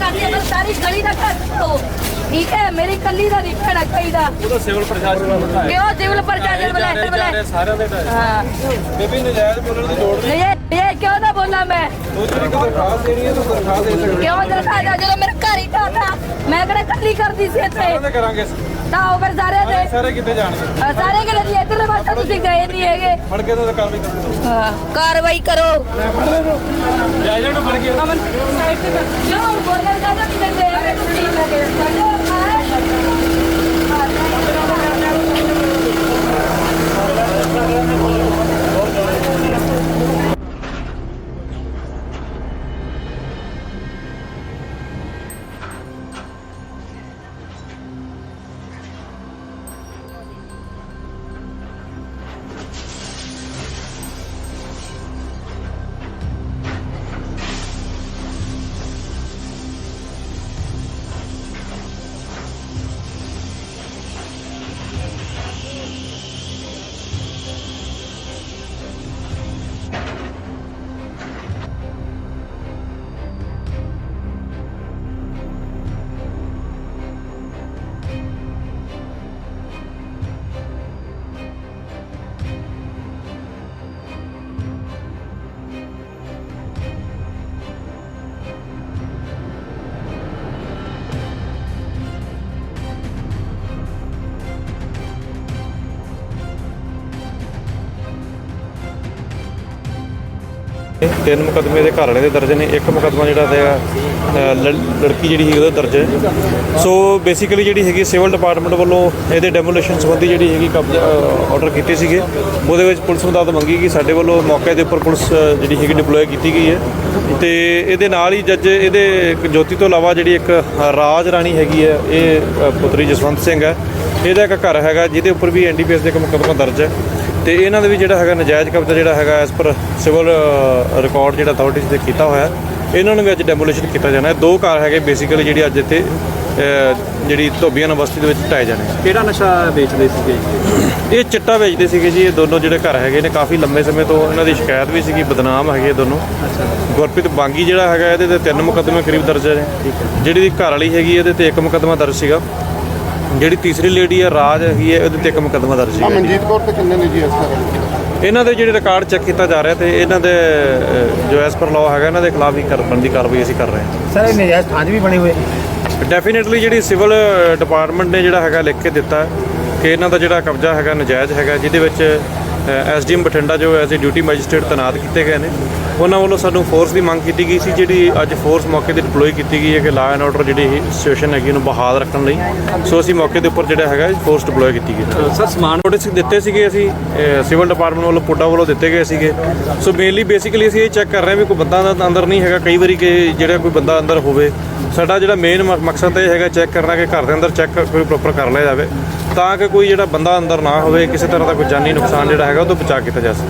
सारी गली का ठीक है, मेरी कली का नहीं कहना चाहिए। सिविल प्रशासन क्यों सिविल प्रशासन बुलाए सारे बेबी नजायज बोलने की लोड़ नहीं। ये क्यों ना बोला मैं दरखास्त देनी है तो दरखास्त दे सकते क्यों दरखास्त जो मेरे घर ही था मैं कड़ा कली कर दी सी इत्थे हैं करांगे ਤਾਂ ਫਿਰ ਸਾਰੇ ਦੇ ਸਾਰੇ ਕਿੱਥੇ ਜਾਣਗੇ ਸਾਰੇ ਕਿਹੜੇ ਦੀ ਇਧਰਲੇ ਪਾਸੇ ਤੁਸੀਂ ਗਏ ਨਹੀਂ ਹੈਗੇ ਫੜ ਕੇ ਤਾਂ ਕਾਰਵਾਈ ਕਰੋ। ਹਾਂ ਕਾਰਵਾਈ ਕਰੋ ਜਾਇਜ਼ ਨੂੰ ਫੜ ਕੇ ਅਮਨ ਸਾਈਡ ਤੇ ਕਿਉਂ ਬੋਲਣ ਦਾ ਨਹੀਂ ਦਿੰਦੇ ਐਵੇਂ ਤੁਸੀਂ ਲੱਗੇ ਤਿੰਨ ਮੁਕੱਦਮੇ ਦੇ ਘਰ ਵਾਲੇ ਦੇ ਦਰਜ ਨੇ, ਇੱਕ ਮੁਕੱਦਮਾ ਜਿਹੜਾ ਹੈਗਾ ਲੜਕੀ ਜਿਹੜੀ ਸੀ ਉਹਦਾ ਦਰਜ ਹੈ। ਸੋ ਬੇਸਿਕਲੀ ਜਿਹੜੀ ਹੈਗੀ ਸਿਵਲ ਡਿਪਾਰਟਮੈਂਟ ਵੱਲੋਂ ਇਹਦੇ ਡੈਮੋਲੇਸ਼ਨ ਸੰਬੰਧੀ ਜਿਹੜੀ ਹੈਗੀ ਕਬਜ਼ਾ ਆਰਡਰ ਕੀਤੇ ਸੀਗੇ। ਉਹਦੇ ਵਿੱਚ ਪੁਲਿਸ ਮਦਦ ਮੰਗੀ ਕਿ ਸਾਡੇ ਵੱਲੋਂ ਮੌਕੇ ਦੇ ਉੱਪਰ ਪੁਲਿਸ ਜਿਹੜੀ ਹੈਗੀ ਡਿਪਲੋਏ ਕੀਤੀ ਗਈ ਹੈ ਤੇ ਇਹਦੇ ਨਾਲ ਹੀ ਜੱਜ ਇਹਦੇ ਜੋਤੀ ਤੋਂ ਇਲਾਵਾ ਜਿਹੜੀ ਇੱਕ ਰਾਜ ਰਾਣੀ ਹੈਗੀ ਹੈ, ਇਹ ਪੁੱਤਰੀ ਜਸਵੰਤ ਸਿੰਘ ਹੈ, ਇਹਦਾ ਇੱਕ ਘਰ ਹੈਗਾ ਜਿਹਦੇ ਉੱਪਰ ਵੀ NDPS ਦੇ ਇੱਕ ਮੁਕੱਦਮਾ ਦਰਜ ਹੈ ਤੇ ਇਹਨਾਂ ਦੇ ਵੀ ਜਿਹੜਾ ਹੈਗਾ ਨਜਾਇਜ਼ ਕਬਜ਼ਾ ਜਿਹੜਾ ਹੈਗਾ ਐਸ ਪਰ ਸਿਵਲ ਰਿਕਾਰਡ ਜਿਹੜਾ ਅਥਾਰਟੀਜ਼ ਦੇ ਕੀਤਾ ਹੋਇਆ, ਇਹਨਾਂ ਨੂੰ ਵੀ ਅੱਜ ਡੈਮੋਲੇਸ਼ਨ ਕੀਤਾ ਜਾਣਾ ਹੈ। ਦੋ ਘਰ ਹੈਗੇ ਬੇਸਿਕਲੀ ਜਿਹੜੀ ਅੱਜ ਇੱਥੇ ਜਿਹੜੀ ਧੋਬੀਆਂ ਬਸਤੀ ਦੇ ਵਿੱਚ ਢਾਏ ਜਾਣੇ। ਕਿਹੜਾ ਨਸ਼ਾ ਵੇਚਦੇ ਸੀਗੇ? ਇਹ ਚਿੱਟਾ ਵੇਚਦੇ ਸੀਗੇ ਜੀ। ਇਹ ਦੋਨੋਂ ਜਿਹੜੇ ਘਰ ਹੈਗੇ ਨੇ ਕਾਫੀ ਲੰਬੇ ਸਮੇਂ ਤੋਂ ਇਹਨਾਂ ਦੀ ਸ਼ਿਕਾਇਤ ਵੀ ਸੀਗੀ, ਬਦਨਾਮ ਹੈਗੇ ਦੋਨੋਂ। ਗੁਰਪ੍ਰੀਤ ਬਾਂਗੀ ਜਿਹੜਾ ਹੈਗਾ ਇਹਦੇ ਤੇ 3 ਮੁਕੱਦਮੇ ਕਰੀਬ ਦਰਜ ਨੇ। ਜਿਹੜੀ ਦੀ ਘਰ ਵਾਲੀ ਹੈਗੀ ਇਹਦੇ ਤੇ 1 ਮੁਕੱਦਮਾ ਦਰਜ ਸੀਗਾ। ਜਿਹੜੀ ਤੀਸਰੀ ਲੇਡੀ ਹੈ ਰਾਜ ਹੈਗੀ ਹੈ, ਉਹਦੇ ਤੇ 1 ਮੁਕੱਦਮਾ ਦਰਜ ਸੀਗਾ। ਮਨਜੀਤ ਕੌਰ ਤੇ ਕਿੰਨੇ ਨੇ ਜੀ ਇਸ ਤਰ੍ਹਾਂ? ਇਹਨਾਂ ਦੇ ਜਿਹੜੇ ਰਿਕਾਰਡ ਚੈੱਕ ਕੀਤਾ ਜਾ ਰਿਹਾ ਤੇ ਇਹਨਾਂ ਦੇ ਜੋ ਐਸ ਪਰ ਲਾਅ ਹੈਗਾ ਇਹਨਾਂ ਦੇ ਖਿਲਾਫ ਹੀ ਕਰਨ ਦੀ ਕਾਰਵਾਈ ਅਸੀਂ ਕਰ ਰਹੇ ਹਾਂ। ਸਰ ਇਹ ਨਜਾਇਜ਼ ਥਾਂ ਵੀ ਬਣੇ ਹੋਏ ਡੈਫੀਨੇਟਲੀ ਜਿਹੜੀ ਸਿਵਲ ਡਿਪਾਰਟਮੈਂਟ ਨੇ ਜਿਹੜਾ ਹੈਗਾ ਲਿਖ ਕੇ ਦਿੱਤਾ ਕਿ ਇਹਨਾਂ ਦਾ ਜਿਹੜਾ ਕਬਜ਼ਾ ਹੈਗਾ ਨਜਾਇਜ਼ ਹੈਗਾ, ਜਿਹਦੇ ਵਿੱਚ SDM ਬਠਿੰਡਾ ਜੋ ਐਜ਼ ਏ ਡਿਊਟੀ ਮੈਜਿਸਟਰੇਟ ਤੈਨਾਤ ਕੀਤੇ ਗਏ ਨੇ, ਉਹਨਾਂ ਵੱਲੋਂ ਸਾਨੂੰ ਫੋਰਸ ਦੀ ਮੰਗ ਕੀਤੀ ਗਈ ਸੀ, ਜਿਹੜੀ ਅੱਜ ਫੋਰਸ ਮੌਕੇ ਤੇ ਡਿਪਲੋਏ ਕੀਤੀ ਗਈ ਹੈ ਕਿ ਲਾਅ ਐਂਡ ਆਰਡਰ ਜਿਹੜੀ ਸਿਚੁਏਸ਼ਨ ਹੈਗੀ ਉਹਨੂੰ ਬਹਾਲ ਰੱਖਣ ਲਈ। ਸੋ ਅਸੀਂ ਮੌਕੇ ਦੇ ਉੱਪਰ ਜਿਹੜਾ ਹੈਗਾ ਫੋਰਸ ਡਿਪਲੋਏ ਕੀਤੀ ਗਈ। ਸਰ ਸਮਾਨ ਨੋਟਿਸ ਦਿੱਤੇ ਸੀਗੇ ਅਸੀਂ ਸਿਵਲ ਡਿਪਾਰਟਮੈਂਟ ਵੱਲੋਂ, ਪੁੱਡਾ ਵੱਲੋਂ ਦਿੱਤੇ ਗਏ ਸੀਗੇ। ਸੋ ਮੇਨਲੀ ਬੇਸਿਕਲੀ ਅਸੀਂ ਇਹ ਚੈੱਕ ਕਰ ਰਹੇ ਹਾਂ ਵੀ ਕੋਈ ਬੰਦਾ ਅੰਦਰ ਨਹੀਂ ਹੈਗਾ। ਕਈ ਵਾਰੀ ਕਿ ਜਿਹੜਾ ਕੋਈ ਬੰਦਾ ਅੰਦਰ ਹੋਵੇ, ਸਾਡਾ ਜਿਹੜਾ ਮੇਨ ਮਕਸਦ ਇਹ ਹੈਗਾ ਚੈੱਕ ਕਰਨਾ ਕਿ ਘਰ ਦੇ ਅੰਦਰ ਚੈੱਕ ਕੋਈ ਪ੍ਰੋਪਰ ਕਰ ਲਿਆ ਜਾਵੇ ਤਾਂ ਕਿ ਕੋਈ ਜਿਹੜਾ ਬੰਦਾ ਅੰਦਰ ਨਾ ਹੋਵੇ, ਕਿਸੇ ਤਰ੍ਹਾਂ ਦਾ ਕੋਈ ਜਾਨੀ ਨੁਕਸਾਨ ਜਿਹੜਾ ਹੈਗਾ ਉਹ ਤੋਂ ਬਚਾ ਕੀਤਾ ਜਾ ਸਕੇ।